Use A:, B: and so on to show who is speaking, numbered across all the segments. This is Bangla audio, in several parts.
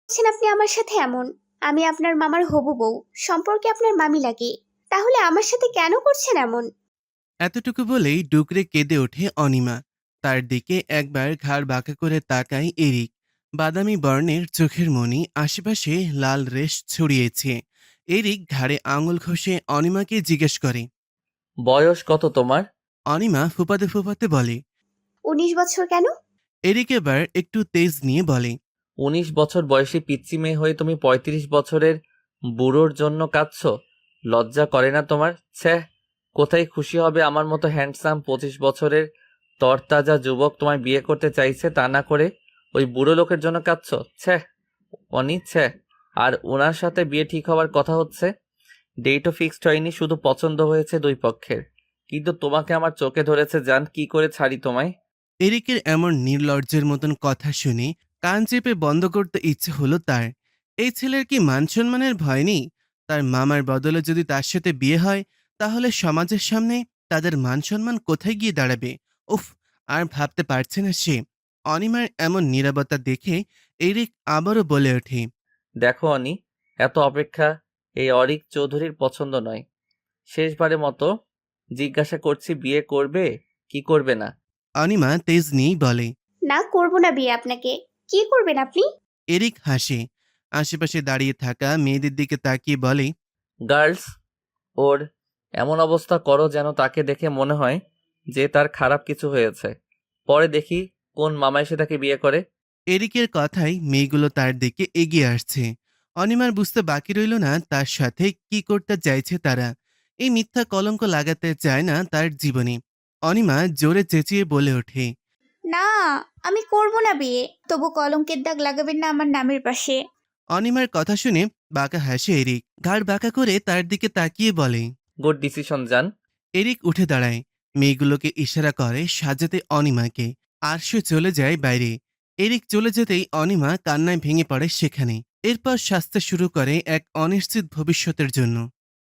A: করছেন আপনি আমার সাথে এমন? আমি আপনার মামার হবু বউ, সম্পর্কে আপনার মামি লাগে। তাহলে আমার সাথে কেন করছেন এমন?
B: এতটুকু বলেই ডুকরে কেঁদে ওঠে অনিমা। তার দিকে একবার ঘাড় বাঁকা করে তাকায় এরিক। বাদামি বর্ণের চোখের মণি আশেপাশে লাল রেশ ছড়িয়েছে। এরিক ঘাড়ে আঙুল ঘষে অনিমাকে জিজ্ঞেস করে।
C: বয়স কত তোমার?
B: অনিমা ফুপাতে ফুপাতে বলে।
A: 19 বছর কেন?
B: এরিক এবার একটু তেজ নিয়ে বলে।
C: 19 বছর বয়সী পিচ্চি মেয়ে হয়ে তুমি 35 বছরের বুড়োর জন্য কাঁদছো? লজ্জা করে না তোমার? ছ্যাঃ। কোথায় খুশি হবে আমার মতো হ্যান্ডসাম 25 বছরের তরতাজা যুবক তোমায় বিয়ে করতে চাইছে, তা না করে ওই বুড়ো লোকের জন্য কাঁদছো? ছ্যাঃ অনি, ছ্যাঃ। আর ওনার সাথে বিয়ে ঠিক হওয়ার কথা হচ্ছে, ডেটও ফিক্সড হয়নি, শুধু পছন্দ হয়েছে দুই পক্ষের। কিন্তু তোমাকে আমার চোখে ধরেছে জান, কি করে ছাড়ি তোমায়?
B: এরিকের এমন নির্লজ্জের মতন কথা শুনে কান চেপে বন্ধ করতে ইচ্ছে হলো তার। এই ছেলের কি মান সম্মানের ভয় নেই? তার মামার বদলে যদি তার সাথে বিয়ে হয়, তাহলে সমাজের সামনে তাদের মান সম্মান কোথায় গিয়ে দাঁড়াবে? উফ, আর ভাবতে পারছে না সে। অনিমার এমন নীরবতা দেখে এরিক আবারও বলে ওঠে।
C: দেখো অনি, এত অপেক্ষা এই অরিক চৌধুরীর পছন্দ নয়। শেষবারের মতো জিজ্ঞাসা করছি, বিয়ে করবে কি করবে না?
B: অনিমা তেজ নিয়েই বলে।
A: না, করব না বিয়ে আপনাকে। কি করবেন আপনি?
B: এরিক হাসে। আশেপাশে দাঁড়িয়ে থাকা মেয়েদের দিকে তাকিয়ে বলে।
C: গার্লস, ওর এমন অবস্থা করো যেন তাকে দেখে মনে হয় যে তার খারাপ কিছু হয়েছে। পরে দেখি কোন মামা এসে তাকে বিয়ে করে।
B: এরিকের কথায় মেয়েগুলো তার দিকে এগিয়ে আসছে। অনিমার বুঝতে বাকি রইল না তার সাথে কি করতে চাইছে তারা। এই মিথ্যা কলঙ্ক লাগাতে চায় না তার জীবনে। অনিমা জোরে চেঁচিয়ে বলে ওঠে।
A: না, আমি করব না বিয়ে। তবু কলঙ্কের দাগ লাগাবেন না আমার নামের পাশে।
B: অনিমার কথা শুনে বাঁকা হাসে এরিক, ঘাড় বাঁকা করে তার দিকে তাকিয়ে বলে।
C: গুড ডিসিশন জান।
B: এরিক উঠে দাঁড়ায়, মেয়েগুলোকে ইশারা করে সাজাতে অনিমাকে, আর সে চলে যায় বাইরে। এরিক চলে যেতেই অনিমা কান্নায় ভেঙে পড়ে সেখানে। এরপর সাজতে শুরু করে এক অনিশ্চিত ভবিষ্যতের জন্য।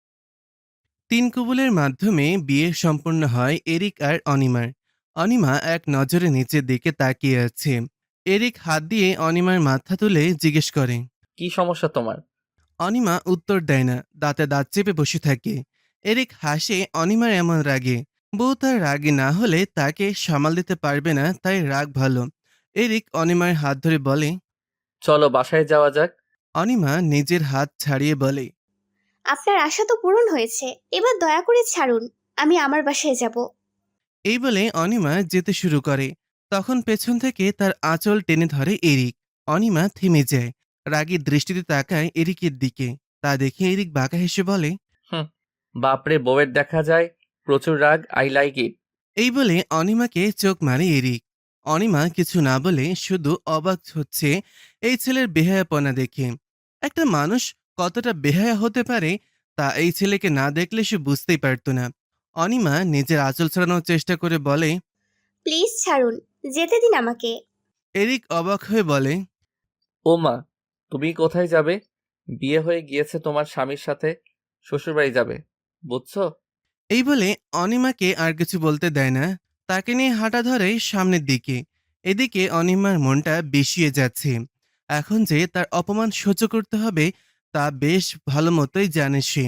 B: তিন কবুলের মাধ্যমে বিয়ে সম্পন্ন হয় এরিক আর অনিমার। অনিমা এক নজরে নিচের দিকে তাকিয়ে আছে। এরিক হাত দিয়ে অনিমার মাথা তুলে জিজ্ঞেস করে।
C: কি সমস্যা তোমার?
B: অনিমা উত্তর দেয় না, দাঁতে দাঁত চেপে বসে থাকে। এরিক হাসে অনিমার এমন রাগে। বউ তার রাগে না হলে তাকে সামাল দিতে পারবে না, তাই রাগ ভালো। এরিক অনিমার হাত ধরে বলে।
C: চলো বাসায় যাওয়া যাক।
B: অনিমা নিজের হাত ছাড়িয়ে বলে।
A: আপনার আশা তো পূরণ হয়েছে, এবার দয়া করে ছাড়ুন। আমি আমার বাসায় যাব।
B: এই বলে অনিমা যেতে শুরু করে। তখন পেছন থেকে তার আঁচল টেনে ধরে এরিক। অনিমা থেমে যায়, রাগী দৃষ্টিতে তাকায় এরিকের দিকে। তা দেখে এরিক বাঁকা হেসে বলে।
C: হুম, বাপরে, বউয়ের দেখা যায় প্রচুর রাগ, আই লাইক ইট।
B: এই বলে অনিমাকে চোখ মারে এরিক। অনিমা কিছু না বলে শুধু অবাক হচ্ছে এই ছেলের বেহায়াপনা দেখে। একটা মানুষ কতটা বেহায়া হতে পারে তা এই ছেলেকে না দেখলে সে বুঝতেই পারত না। অনিমা নিজের আঁচল ছড়ানোর চেষ্টা করে বলে।
A: প্লিজ ছাড়ুন, যেতে দিন আমাকে।
B: এরিক অবাক হয়ে বলে।
C: ও মা, তুমি কোথায় যাবে? বিয়ে হয়ে গিয়েছে তোমার স্বামীর সাথে, শ্বশুরবাড়ি যাবে, বুঝছো?
B: এই বলে অনিমাকে আর কিছু বলতে দেয় না, তাকে নিয়ে হাঁটা ধরে সামনের দিকে। এদিকে অনিমার মনটা বিষিয়ে যাচ্ছে। এখন যে তার অপমান সহ্য করতে হবে তা বেশ ভালো মতোই জানে সে।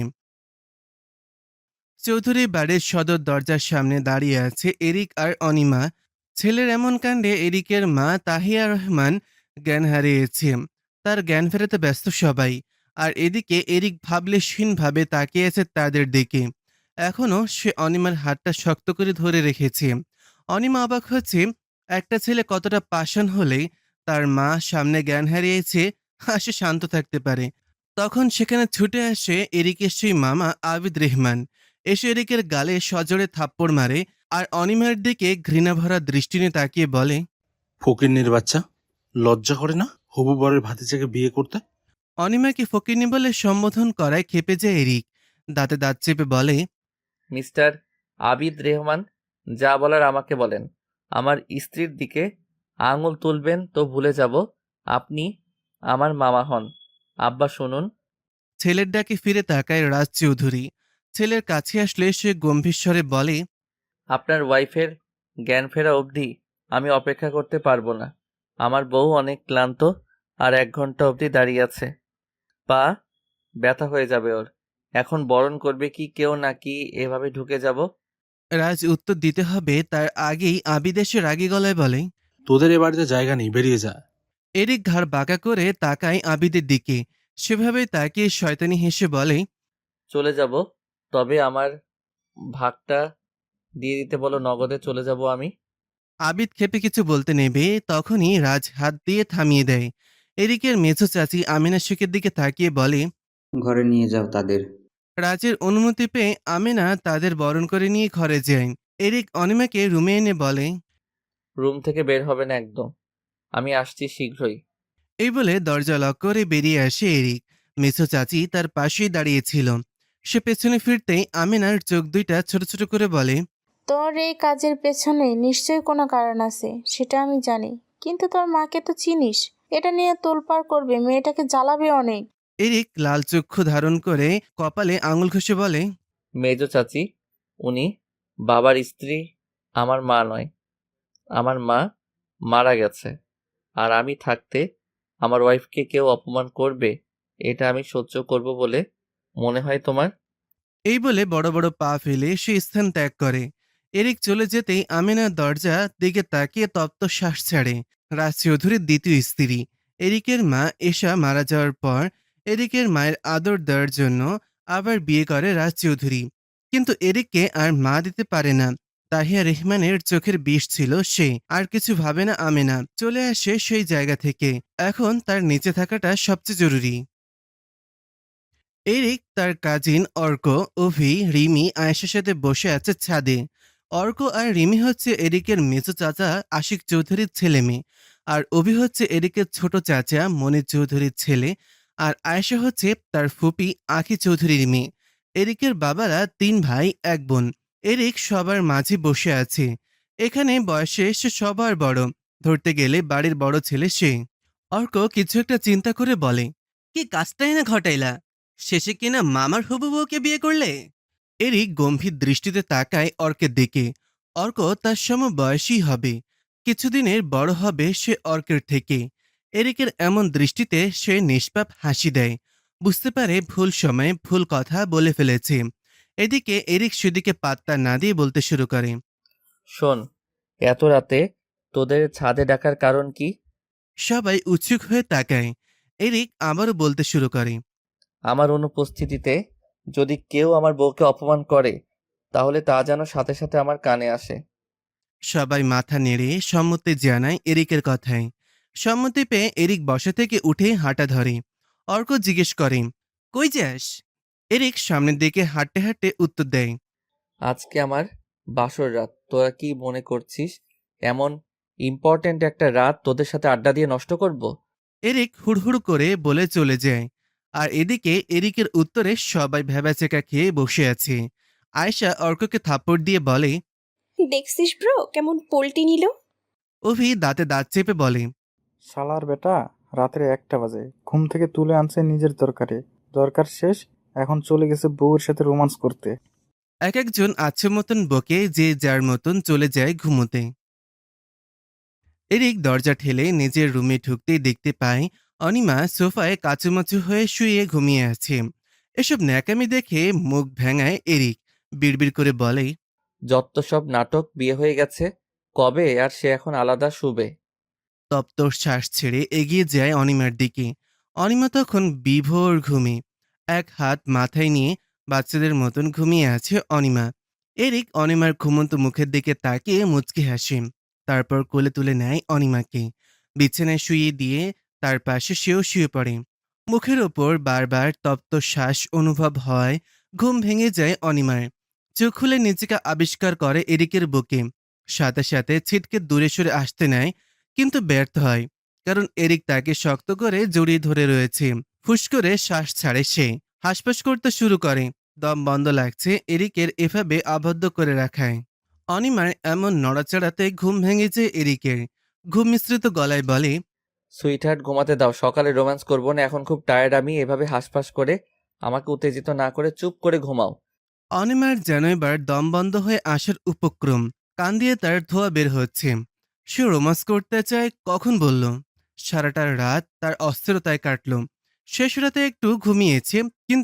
B: চৌধুরী বাড়ির সদর দরজার সামনে দাঁড়িয়ে আছে এরিক আর অনিমা। ছেলের এমন কাণ্ডে এরিকের মা তাহিয়া রহমান জ্ঞান হারিয়েছে। তার জ্ঞান ফেরাতে ব্যস্ত সবাই। আর এদিকে এরিক ভাবলেশহীনভাবে তাকিয়ে আছে তাদের দিকে। এখনও সে অনিমার হাতটা শক্ত করে ধরে রেখেছে। অনিমা অবাক হচ্ছে, একটা ছেলে কতটা পাষাণ হলেই তার মা সামনে জ্ঞান হারিয়েছে আর সে শান্ত থাকতে পারে। তখন সেখানে ছুটে আসে এরিকের সেই মামা আবিদ রেহমান। এসে এরিকের গালে সজোরে থাপ্পড় মারে আর অনিমার দিকে ঘৃণাভরা দৃষ্টি নিয়ে তাকিয়ে বলে।
D: ফকিন্নির বাচ্চা, লজ্জা করে না হবু বরের ভাতিজাকে বিয়ে করতে?
B: অনিমাকে ফকিন্নি বলে সম্বোধন করায় ক্ষেপে যায় এরিক। দাঁতে দাঁত চেপে বলে।
C: মিস্টার আবিদ রেহমান, যা বলার আমাকে বলেন। আমার স্ত্রীর দিকে আঙুল তুলবেন তো ভুলে যাব আপনি আমার মামা হন। আব্বা শুনুন।
B: ছেলের ডাকে ফিরে তাকায় রাজ চৌধুরী। ছেলের কাছে আসলে সে গম্ভীর স্বরে বলে।
C: আপনার ওয়াইফের জ্ঞান ফেরা অবধি আমি অপেক্ষা করতে পারবো না। আমার বউ অনেক ক্লান্ত, আর 1 ঘন্টা অবধি দাঁড়িয়ে আছে। পা ব্যথা হয়ে যাবে ওর। এখন বরণ করবে কি কেউ, নাকি এভাবে ঢুকে যাব?
B: রাজ উত্তর দিতে হবে তার আগেই আবিদ এসে রাগী গলায় বলে।
D: তোদের এ বাড়িতে জায়গা নেই, বেরিয়ে যা।
B: এরিক ঘাড় বাঁকা করে তাকায় আবিদের দিকে। সেভাবেই তাকিয়ে শয়তানি হেসে বলে,
C: চলে যাব, তবে আমার ভাগটা দিয়ে দিতে বলো, নগদে চলে যাব আমি।
B: আবিদ ক্ষেপে কিছু বলতে নেবে তখনই রাজ হাত দিয়ে থামিয়ে দেয়। এরিকের মেঝো চাচি আমিনা শেখের দিকে তাকিয়ে বলে।
E: ঘরে নিয়ে যাও তাদের।
B: রাজের অনুমতি পেয়ে আমিনা তাদের বরণ করে নিয়ে ঘরে যায়। এরিক অনিমাকে রুমে এনে বলে।
C: রুম থেকে বের হবে না একদম, আমি আসছি শীঘ্রই।
B: এই বলে দরজা লক করে বেরিয়ে আসে এরিক। মেঝো চাচি তার পাশেই দাঁড়িয়েছিল। সে পেছনে ফিরতেই আমিনার চোখ দুইটা ছোট ছোট করে বলে।
F: তোর এই কাজের পেছনে নিশ্চয়ই কোনো কারণ আছে, সেটা আমি জানি। কিন্তু তোর মাকে তো চিনিস, এটা নিয়ে তোলপাড় করবে, মেয়েটাকে জ্বালাবে অনেক।
B: এরিক লাল চক্ষু ধারণ করে কপালে আঙুল ঘষে বলে।
C: মেজো চাচি, উনি বাবার স্ত্রী, আমার মা নয়। আমার মা মারা গেছে, আর আমি থাকতে আমার ওয়াইফকে কেউ অপমান করবে, এটা আমি সহ্য করব বলে মনে হয় তোমার?
B: এই বলে বড় বড় পা ফেলে সে স্থান ত্যাগ করে। এরিক চলে যেতেই আমিনা দরজা দিকে তাকিয়ে তপ্ত শ্বাস ছাড়ে। রাজ চৌধুরীর দ্বিতীয় স্ত্রী এরিকের মা এশা মারা যাওয়ার পর এরিকের মায়ের আদর দেওয়ার জন্য আবার বিয়ে করে রাজ চৌধুরী। কিন্তু এরিককে আর মা দিতে পারে না। তাহিয়া রেহমানের চোখের বিষ ছিল সে। আর কিছু ভাবে না আমিনা চলে আসে সেই জায়গা থেকে। এখন তার নিচে থাকাটা সবচেয়ে জরুরি। এরিক তার কাজিন অর্ক, অভি, রিমি আয়েশার সাথে বসে আছে ছাদে। অর্ক আর রিমি হচ্ছে এরিকের মেজো চাচা আশিক চৌধুরীর ছেলে মেয়ে। আর অভি হচ্ছে এরিকের ছোট চাচা মনির চৌধুরীর ছেলে। আর আয়েশা হচ্ছে তার ফুপি আখি চৌধুরীর মেয়ে। এরিকের বাবারা 3 ভাই 1 বোন। এরিক সবার মাঝে বসে আছে। এখানে বয়সে সে সবার বড়, ধরতে গেলে বাড়ির বড় ছেলে সে। অর্ক কিছু একটা চিন্তা করে বলে, কি কাজটাই না ঘটাইলা, শেষে কিনা মামার হবু বউকে বিয়ে করলে। এরিক গম্ভীর দৃষ্টিতে তাকায় অর্কের দিকে। অর্ক তার সমবয়সী হবে, কিছুদিনের বড় হবে সে অর্কের থেকে। এরিকের এমন দৃষ্টিতে সে নিষ্পাপ হাসি দেয়। বুঝতে পারে ভুল সময়ে ভুল কথা বলে ফেলেছে। এদিকে এরিক সেদিকে পাত্তা না দিয়ে বলতে শুরু করে।
C: শোন, এত রাতে তোদের ছাদে ডাকার কারণ কি?
B: সবাই উৎসুক হয়ে তাকায়। এরিক আবারও বলতে শুরু করে।
C: আমার অনুপস্থিতিতে যদি কেউ আমার বউকে অপমান করে, তাহলে তা যেন সাথে সাথে আমার কানে আসে।
B: সবাই মাথা নেড়ে সম্মতি জানায় এরিকের কথায়। সম্মতি পেয়ে এরিক বসা থেকে উঠে হাঁটা ধরে। অর্ক জিজ্ঞেস করে, কই যাস? এরিক সামনের দিকে হাঁটতে হাঁটতে উত্তর দেয়।
C: আজকে আমার বাসর রাত, তোরা কি মনে করছিস এমন ইম্পর্ট্যান্ট একটা রাত তোদের সাথে আড্ডা দিয়ে নষ্ট করব?
B: এরিক হুড়হুড় করে বলে চলে যায়। আর এদিকে এরিকের উত্তরে সবাই ভ্যাবাচেকা খেয়ে বসে আছে। আয়েশা অর্ককে থাপ্পড় দিয়ে বলে।
G: দেখছিস ব্রো কেমন পোল্টি নিল।
B: অভি দাঁতে দাঁত চেপে বলে।
H: শালার বেটা, রাত্রে 1টা বাজে ঘুম থেকে তুলে আনছে নিজের দরকারে, দরকার শেষ, এখন চলে গেছে বউয়ের সাথে রোমান্স করতে।
B: এক একজন আছে মতন বকে যে যার মতন চলে যায় ঘুমোতে। এরিক দরজা ঠেলে নিজের রুমে ঢুকতেই দেখতে পায় অনিমা সোফায় কাচুমাচু হয়ে শুয়ে ঘুমিয়ে আছে। এসব ন্যাকামি দেখে মুখ ভেঙায় এরিক। বিড়বিড় করে বলে।
C: যত সব নাটক, বিয়ে হয়ে গেছে কবে, আর সে এখন আলাদা শুবে।
B: তপ্ত শ্বাস ছেড়ে এগিয়ে যায় অনিমার দিকে। অনিমা তখন বিভোর ঘুমে। এক হাত মাথায় নিয়ে বাচ্চাদের মতন ঘুমিয়ে আছে অনিমা। এরিক অনিমার ঘুমন্ত মুখের দিকে তাকিয়ে মুচকি হাসে। তারপর কোলে তুলে নেয় অনিমাকে। বিছানায় শুয়ে দিয়ে তার পাশে সেও শুয়ে পড়ে। মুখের ওপর বারবার তপ্ত শ্বাস অনুভব হয়। ঘুম ভেঙে যায় অনিমার। চোখ খুলে নিজেকে আবিষ্কার করে এরিকের বুকে। সাথে সাথে ছিটকে দূরে সরে আসতে নেয়, কিন্তু ব্যর্থ হয়। কারণ এরিক তাকে শক্ত করে জড়িয়ে ধরে রয়েছে। ফুস করে শ্বাস ছাড়ে সে। হাসপাস করতে শুরু করে। দম বন্ধ লাগছে এরিকের এভাবে আবদ্ধ করে রাখায়। অনিমার এমন নড়াচড়াতে ঘুম ভেঙেছে এরিকের। ঘুম মিশ্রিত গলায় বলে।
C: সুইটহার্ট, ঘুমাতে দাও, সকালে রোম্যান্স করবো না, এখন খুব টায়ার্ড আমি। এভাবে হাসফাস করে আমাকে উত্তেজিত না করে চুপ করে ঘুমাও।
B: অনিমার যেন এবার দম বন্ধ হয়ে আসার উপক্রম। কান দিয়ে তার ধোয়া বের হচ্ছে। সে রোমান্স করতে চায় কখন বলল? সারাটা রাত তার অস্থিরতায় কাটল। শেষ রাতে একটু ঘুমিয়েছে, কিন্তু